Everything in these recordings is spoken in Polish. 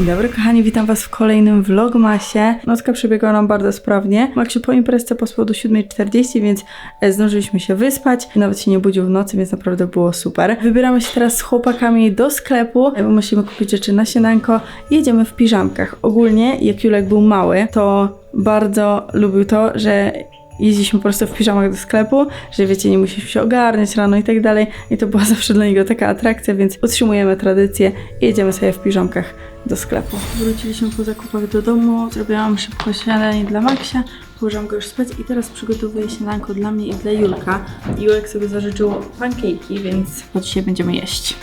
Dzień dobry kochani, witam was w kolejnym vlogmasie. Nocka przebiegła nam bardzo sprawnie. Maksiu po imprezce pospał do 7:40, więc zdążyliśmy się wyspać. Nawet się nie budził w nocy, więc naprawdę było super. Wybieramy się teraz z chłopakami do sklepu, bo musimy kupić rzeczy na śniadanko i jedziemy w piżamkach. Ogólnie, jak Julek był mały, to bardzo lubił to, że jeździliśmy po prostu w piżamach do sklepu, że wiecie, nie musimy się ogarniać rano i tak dalej. I to była zawsze dla niego taka atrakcja, więc utrzymujemy tradycję i jedziemy sobie w piżamkach do sklepu. Wróciliśmy po zakupach do domu, zrobiłam szybko śniadanie dla Maksia, położyłam go już spać i teraz przygotowuję śniadanko dla mnie i dla Julka. Julek sobie zażyczył pancake'i, więc to dzisiaj będziemy jeść.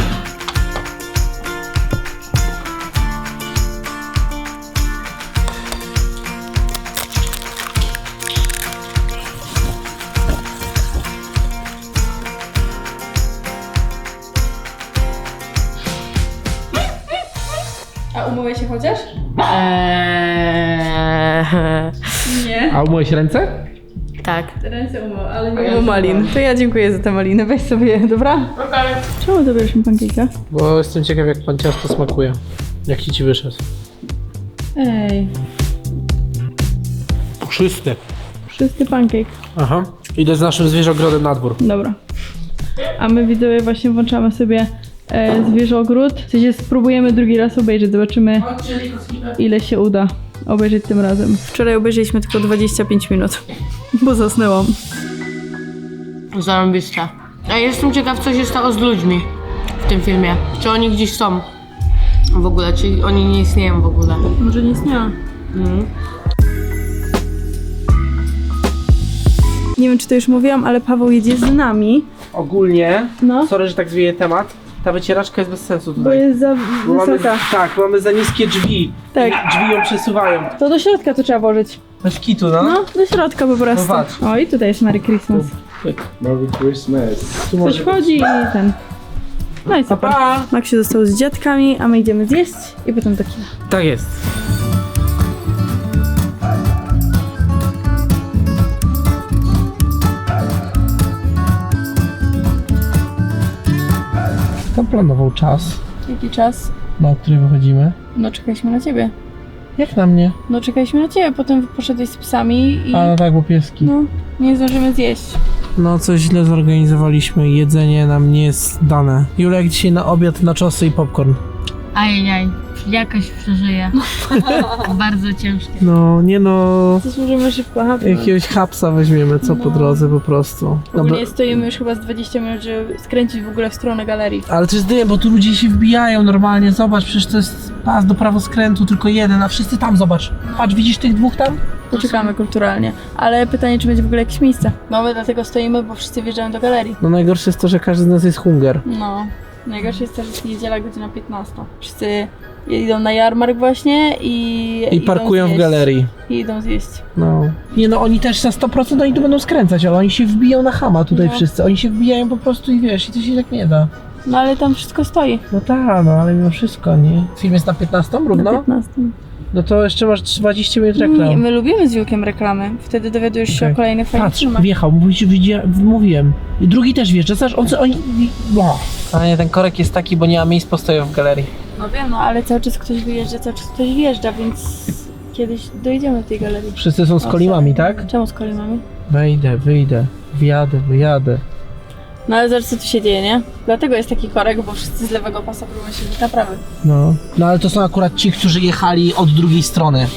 A umyłeś się chociaż? Nie. A umyłeś ręce? Tak. Ręce umył, ale nie umył malin. To ja dziękuję za tę malinę. Weź sobie, dobra? Okej. Czemu dobierzesz mi pancake'a? Bo jestem ciekaw, jak pan ciasto smakuje. Jak ci wyszedł? Ej, Puszysty. pusty pancake. Aha. Idę z naszym zwierzogrodem na dwór. Dobra. A my widzowie właśnie włączamy sobie zwierzogród. W sensie spróbujemy drugi raz obejrzeć, zobaczymy ile się uda obejrzeć tym razem. Wczoraj obejrzeliśmy tylko 25 minut, bo zasnęłam. Zarąbiste. A jestem ciekaw, co się stało z ludźmi w tym filmie. Czy oni gdzieś są w ogóle, czy oni nie istnieją w ogóle. Może nie istniała. Nie wiem, czy to już mówiłam, ale Paweł jedzie z nami. Ogólnie, No. sorry, że tak zwieje temat, ta wycieraczka jest bez sensu Bo tutaj. jest za Bo mamy, wysoka. tak, mamy za niskie drzwi. Tak. Drzwi ją przesuwają. To do środka to trzeba włożyć. Bez kitu, no. No, do środka po prostu. No patrz. O, i tutaj jest Merry Christmas. Merry Christmas. Tu Ktoś może wchodzi i ten. No i super. Pa! Maksiu został z dziadkami, a my idziemy zjeść i potem do kina. Tak jest. Kto planował czas, Jaki czas? na który wychodzimy? No czekaliśmy na ciebie. Jak na mnie? No czekaliśmy na ciebie, potem poszedłeś z psami i A no tak, bo pieski. no, nie zdążymy zjeść. No coś źle zorganizowaliśmy, jedzenie nam nie jest dane. Julek dzisiaj na obiad na czosy i popcorn. Ajajaj, jakoś przeżyję. Bardzo ciężkie. No, nie no, Zasłużymy szybko hapnąć. jakiegoś hapsa weźmiemy, co po No. drodze po prostu. Ogólnie stoimy już chyba z 20 minut, żeby skręcić w ogóle w stronę galerii. Ale to jest dymy, bo tu ludzie się wbijają normalnie, zobacz, przecież to jest pas do prawoskrętu, tylko jeden, a wszyscy tam, zobacz. Patrz, widzisz tych dwóch tam? Poczekamy kulturalnie. Ale pytanie, czy będzie w ogóle jakieś miejsce? No my dlatego stoimy, bo wszyscy wjeżdżają do galerii. No najgorsze jest to, że każdy z nas jest hunger. No. Najgorsze jest to, że jest niedziela, godzina 15. Wszyscy idą na jarmark właśnie I idą parkują w zjeść. galerii. I idą zjeść. No. Nie no, oni też na 100% oni tu będą skręcać, ale oni się wbiją na chama tutaj No. wszyscy. Oni się wbijają po prostu i wiesz, i to się tak nie da. No ale tam wszystko stoi. No tak, no ale mimo wszystko, nie? Film jest na 15 Na równo? 15. No to jeszcze masz 20 minut reklam. Nie, my lubimy z Julkiem reklamy. Wtedy dowiadujesz się Okej. o kolejnych fajnych Patrz, filmach. wjechał, mówiłem. I drugi też wjeżdża, zobacz, oni... No. A nie, ten korek jest taki, bo nie ma miejsc postoju w galerii. No wiem, no ale cały czas ktoś wyjeżdża, cały czas ktoś wjeżdża, więc kiedyś dojdziemy do tej galerii. Wszyscy są z kolimami, tak? Czemu z kolimami? Wejdę, wyjdę, wyjadę. No ale zobacz, co tu się dzieje, nie? Dlatego jest taki korek, bo wszyscy z lewego pasa próbują się do prawy. No. No ale to są akurat ci, którzy jechali od drugiej strony.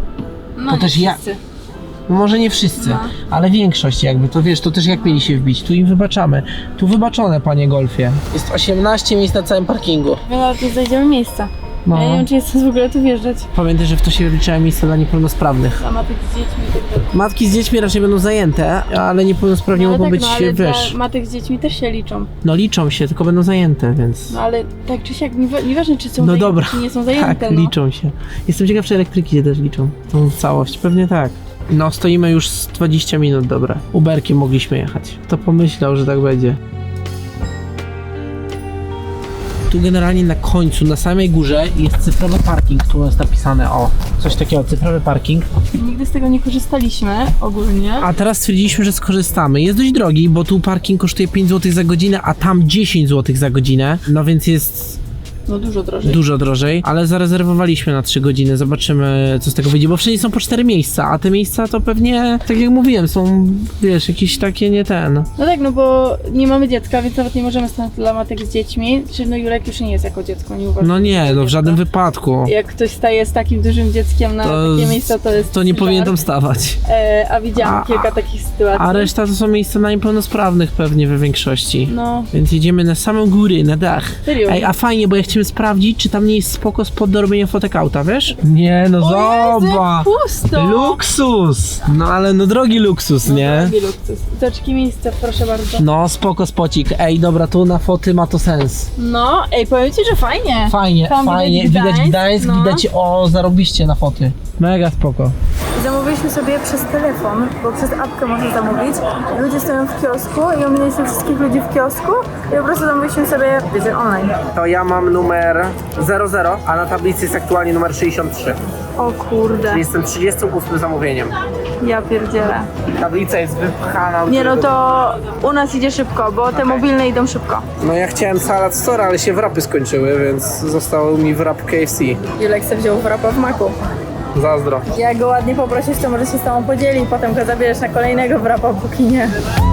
No To nie też ja- wszyscy. No może nie wszyscy, No. ale większość jakby, to wiesz, to też jak mieli się wbić, tu im wybaczamy. Tu wybaczone, panie Golfie. Jest 18 miejsc na całym parkingu. My nawet nie znajdziemy miejsca. No. Ja nie wiem, czy jest sens w ogóle tu wjeżdżać. Pamiętaj, że w to się wliczają miejsca dla niepełnosprawnych. A matek z dziećmi i tak dalej. Matki z dziećmi raczej będą zajęte, ale niepełnosprawni No ale mogą tak, być, no, ale wiesz, dla matek z dziećmi też się liczą. no liczą się, tylko będą zajęte, więc... No ale tak czy siak, nieważne czy są No zajęte, dobra, czy nie są zajęte, tak, no. liczą się. Jestem ciekaw, czy elektryki się też liczą, tą całość, pewnie tak. No, stoimy już z 20 minut, dobra. Uberkiem mogliśmy jechać. Kto pomyślał, że tak będzie? Tu generalnie na końcu, na samej górze jest cyfrowy parking, tu jest napisane, o, coś takiego, cyfrowy parking. Nigdy z tego nie korzystaliśmy ogólnie. A teraz stwierdziliśmy, że skorzystamy. Jest dość drogi, bo tu parking kosztuje 5 zł za godzinę, a tam 10 zł za godzinę. No więc jest No dużo drożej. Dużo drożej, ale zarezerwowaliśmy na 3 godziny, zobaczymy co z tego wyjdzie, bo wszędzie są po 4 miejsca, a te miejsca to pewnie, tak jak mówiłem, są, wiesz, jakieś takie nie ten. No tak, no bo nie mamy dziecka, więc nawet nie możemy stać na matek z dziećmi. Czy no Julek już nie jest jako dziecko, nie uważam. No nie, no w żadnym wypadku. Jak ktoś staje z takim dużym dzieckiem na takie miejsca, to jest To nie żart. powinien tam stawać. A widziałam kilka takich sytuacji. A reszta to są miejsca na niepełnosprawnych pewnie we większości. No, Więc jedziemy na samą góry, na dach. serio. Ej, a fajnie, bo ja chciałem sprawdzić, czy tam nie jest spoko spot do robienia fotek auta, wiesz? Nie, no zobacz! Pusto! Luksus! No ale no drogi luksus, nie? Drogi luksus. Toczki miejsce, proszę bardzo. No spoko spocik. Ej, dobra, tu na foty ma to sens. No, ej, powiem ci, że fajnie. Fajnie, Tam fajnie. widać Widać Gdańsk, no. widać, o, zarobiście na foty. Mega spoko. Zamówiliśmy sobie przez telefon, bo przez apkę można zamówić. Ludzie stoją w kiosku i ominęliśmy wszystkich ludzi w kiosku i po prostu zamówiliśmy sobie, wiecie, online. To ja mam numer 00, a na tablicy jest aktualnie numer 63. O kurde, Jestem 38 zamówieniem. ja pierdzielę. Tablica jest wypchana. Nie no, to u nas idzie szybko, bo te mobilne idą szybko. No ja chciałem salad store, ale się wrapy skończyły, więc został mi wrap KFC. Julek se wziął wrapa w maku. Zazdro. Jak go ładnie poprosisz, to może się z tobą podzieli i potem go zabierzesz na kolejnego wrapa, póki nie.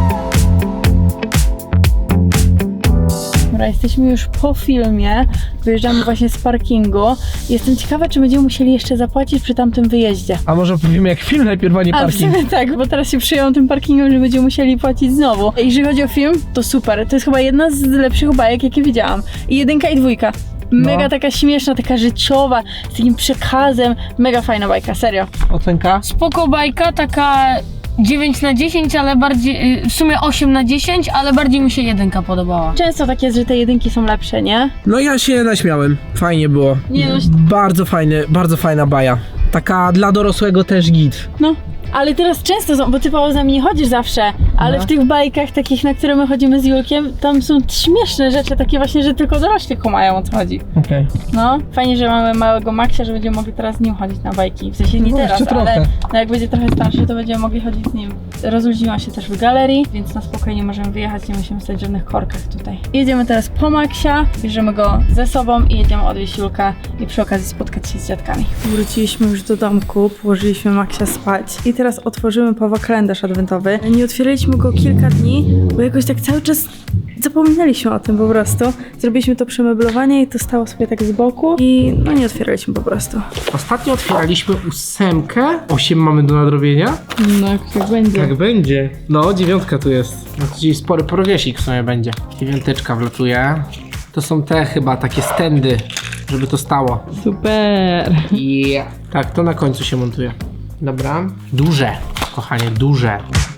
Dobra, jesteśmy już po filmie, wyjeżdżamy właśnie z parkingu. Jestem ciekawa, czy będziemy musieli jeszcze zapłacić przy tamtym wyjeździe. A może powiemy jak film najpierw, a nie A w parking? sumie tak, bo teraz się przyjął tym parkingiem, że będziemy musieli płacić znowu. Jeżeli chodzi o film, to super. To jest chyba jedna z lepszych bajek, jakie widziałam. I 1 i 2. Mega taka śmieszna, taka życiowa, z takim przekazem. Mega fajna bajka, serio. Ocenka? Spoko bajka, taka 9/10, ale bardziej, w sumie 8/10, ale bardziej mi się 1 podobała. Często tak jest, że te 1 są lepsze, nie? No ja się naśmiałem. Fajnie było. Nie no, Bardzo fajna baja. Taka dla dorosłego też git. no. Ale teraz często są, bo ty Paweł z nami nie chodzisz zawsze, ale w tych bajkach takich, na które my chodzimy z Julkiem, tam są śmieszne rzeczy, takie właśnie, że tylko dorośli kumają, o co chodzi. Okej. No, fajnie, że mamy małego Maxia, że będziemy mogli teraz z nim chodzić na bajki. W sensie nie No, teraz, jeszcze ale trochę. no jak będzie trochę starszy, to będziemy mogli chodzić z nim. Rozluźniła się też w galerii, więc na spokojnie możemy wyjechać, nie musimy stać w żadnych korkach tutaj. Jedziemy teraz po Maxia, bierzemy go ze sobą i jedziemy odwieźć Julka i przy okazji spotkać się z dziadkami. Wróciliśmy już do domku, położyliśmy Maxia spać i teraz otworzymy Pawła kalendarz adwentowy. Nie otwieraliśmy go kilka dni, bo jakoś tak cały czas zapominaliśmy o tym po prostu. Zrobiliśmy to przemeblowanie i to stało sobie tak z boku i no nie otwieraliśmy po prostu. Ostatnio otwieraliśmy 8. 8 mamy do nadrobienia? No jak będzie. Jak będzie. No, 9 tu jest. No, czyli spory prowiesik w sumie będzie. 9 wlatuje. To są te chyba takie stędy, żeby to stało. Super. I tak, to na końcu się montuje. Dobra. Duże, kochanie, duże.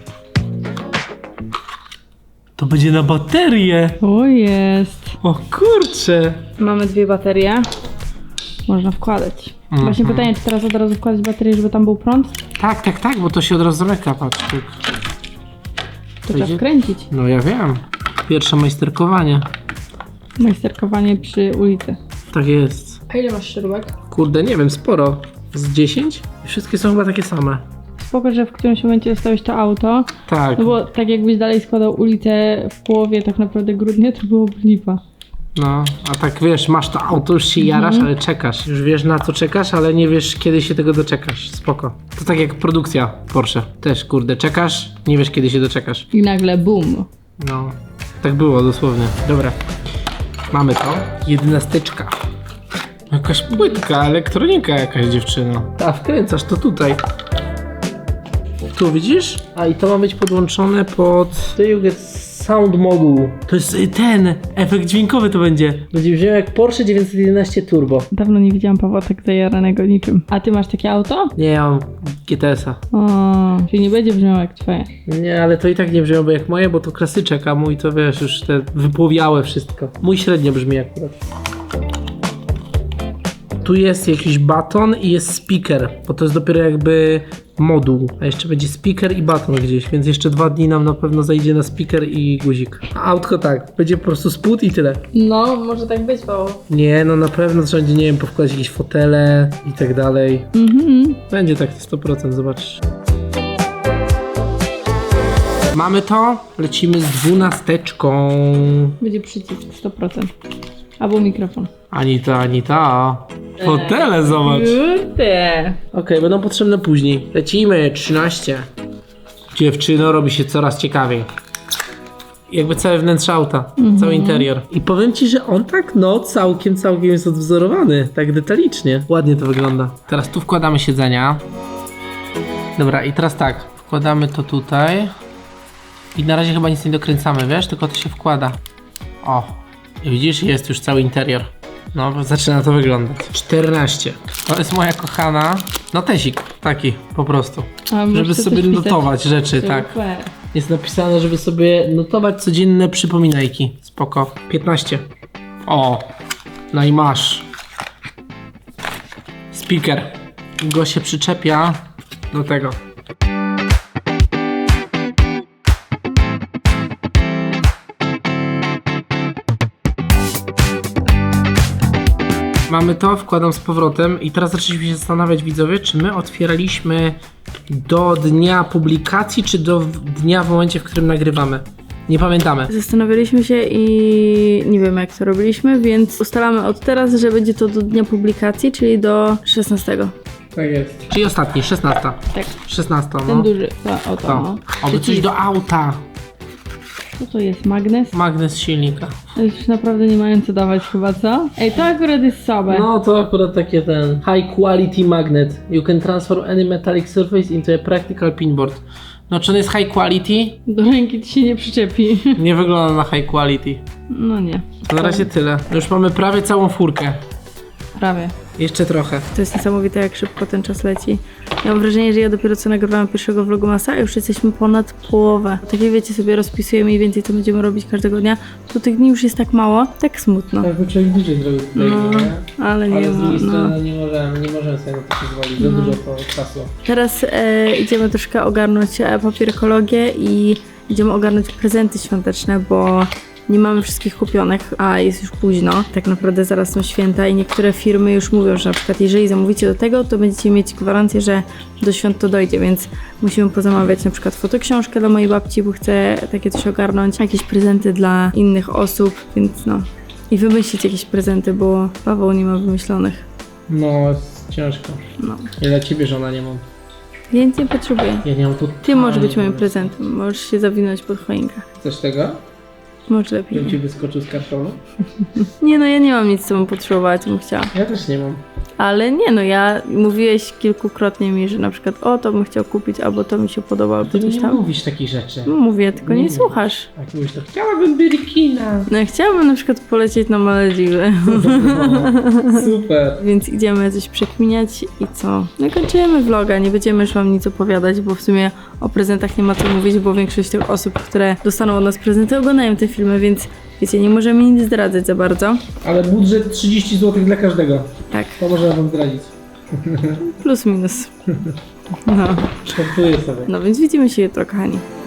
To będzie na baterię. O jest. O kurcze. Mamy 2 baterie. Można wkładać. Właśnie pytanie, czy teraz od razu wkładać baterię, żeby tam był prąd? Tak, bo to się od razu zamyka, patrz. Tak. To trzeba wkręcić. No ja wiem. Pierwsze majsterkowanie. Majsterkowanie przy ulicy. Tak jest. A ile masz śrubek? Kurde, nie wiem, sporo. Z 10? I wszystkie są chyba takie same. Spoko, że w którymś momencie dostałeś to auto, Tak. no bo tak jakbyś dalej składał ulicę w połowie tak naprawdę grudnia, to byłoby lipa. No, a tak wiesz, masz to auto, już się jarasz, ale czekasz. Już wiesz na co czekasz, ale nie wiesz kiedy się tego doczekasz. Spoko. To tak jak produkcja Porsche. Też kurde, czekasz, nie wiesz kiedy się doczekasz. I nagle boom. No, tak było dosłownie. Dobra, mamy to. 11. Jakaś płytka, elektronika jakaś dziewczyno. A wkręcasz to tutaj. Tu widzisz? A i to ma być podłączone pod... Do you get sound module. To jest ten efekt dźwiękowy to będzie. Będzie brzmiał jak Porsche 911 Turbo. Dawno nie widziałam Pawła tak zajaranego niczym. A ty masz takie auto? Nie, ja mam GTS-a. O, czyli nie będzie brzmiało jak twoje. Nie, ale to i tak nie brzmiałoby jak moje, bo to klasyczek, a mój to wiesz, już te wypłowiałe wszystko. Mój średnio brzmi akurat. Tu jest jakiś baton i jest speaker, bo to jest dopiero jakby moduł, a jeszcze będzie speaker i baton gdzieś, więc jeszcze 2 dni nam na pewno zajdzie na speaker i guzik. A autko tak, będzie po prostu spód i tyle. No, może tak być, Paweł. Nie, no na pewno trzeba będzie, nie wiem, powkładać jakieś fotele i tak dalej. Będzie tak 100%, zobaczysz. Mamy to, lecimy z 12. Będzie przycisk 100%. Albo mikrofon. Anita. Fotele, zobacz. Kurde. Okej, będą potrzebne później. Lecimy, 13. Dziewczyno, robi się coraz ciekawiej. Jakby całe wnętrze auta, cały interior. I powiem ci, że on tak, no, całkiem jest odwzorowany. Tak detalicznie. Ładnie to wygląda. Teraz tu wkładamy siedzenia. Dobra, i teraz tak. Wkładamy to tutaj. I na razie chyba nic nie dokręcamy, wiesz? Tylko to się wkłada. O, widzisz? Jest już cały interior. No, zaczyna to wyglądać. 14. To jest moja kochana notesik. Taki, po prostu. Żeby sobie notować rzeczy, tak. Jest napisane, żeby sobie notować codzienne przypominajki. Spoko. 15. O, no i masz. Speaker. Go się przyczepia do tego. Mamy to, wkładam z powrotem i teraz zaczęliśmy się zastanawiać, widzowie, czy my otwieraliśmy do dnia publikacji, czy do dnia w momencie, w którym nagrywamy. Nie pamiętamy. Zastanawialiśmy się i nie wiem jak to robiliśmy, więc ustalamy od teraz, że będzie to do dnia publikacji, czyli do 16. Tak jest. Czyli ostatni, 16. Tak. 16, no. Ten duży. O to, no. Oby coś do auta. Co to jest? Magnes? Magnes silnika. Już naprawdę nie mają co dawać chyba, co? Ej, to akurat jest słabe. No to akurat takie ten high quality magnet. You can transfer any metallic surface into a practical pinboard. No czy on jest high quality? Do ręki ci się nie przyczepi. Nie wygląda na high quality. No nie. To na razie tyle. Już mamy prawie całą furkę. Prawie. Jeszcze trochę. To jest niesamowite, jak szybko ten czas leci. Ja mam wrażenie, że ja dopiero co nagrywałam pierwszego vlogmasa, a już jesteśmy ponad połowę. Tak jak wiecie, sobie rozpisujemy mniej więcej, co będziemy robić każdego dnia, to tych dni już jest tak mało, tak smutno. Tak by człowiek dłużej zrobił tutaj, No, ale nie z ma, drugiej no. strony nie możemy sobie na to pozwolić. Za dużo to czasu. Teraz idziemy troszkę ogarnąć papierkologię i idziemy ogarnąć prezenty świąteczne, bo nie mamy wszystkich kupionych, a jest już późno. Tak naprawdę zaraz są święta i niektóre firmy już mówią, że na przykład jeżeli zamówicie do tego, to będziecie mieć gwarancję, że do świąt to dojdzie, więc musimy pozamawiać na przykład fotoksiążkę dla mojej babci, bo chcę takie coś ogarnąć, jakieś prezenty dla innych osób, więc no. I wymyślić jakieś prezenty, bo Paweł nie ma wymyślonych. No, jest ciężko. No. Ja dla ciebie żona nie mam. Ja nic nie potrzebuję. Ja nie mam tu. Ty możesz być moim prezentem, możesz się zawinąć pod choinkę. Chcesz tego? Może lepiej. Żebym ci wyskoczył z kartonu? Nie no, ja nie mam nic, co bym potrzebowała, co bym chciała. Ja też nie mam. Ale nie no, ja mówiłeś kilkukrotnie mi, że na przykład o, to bym chciał kupić, albo to mi się podoba, albo Ty mi coś nie tam. mówisz takich rzeczy. No, mówię, tylko nie Nie. słuchasz. Jak mówisz, to chciałabym byrikina. No ja chciałabym na przykład polecieć na Malediwy. Super. Więc idziemy coś przekminiać i co? No i kończymy vloga, nie będziemy już wam nic opowiadać, bo w sumie o prezentach nie ma co mówić, bo większość tych osób, które dostaną od nas prezenty, oglądają te filmy, więc wiecie, nie możemy nic zdradzać za bardzo. Ale budżet 30 zł dla każdego. Tak, To możemy wam zdradzić. plus minus. No, Żartuję sobie. no więc widzimy się jutro, kochani.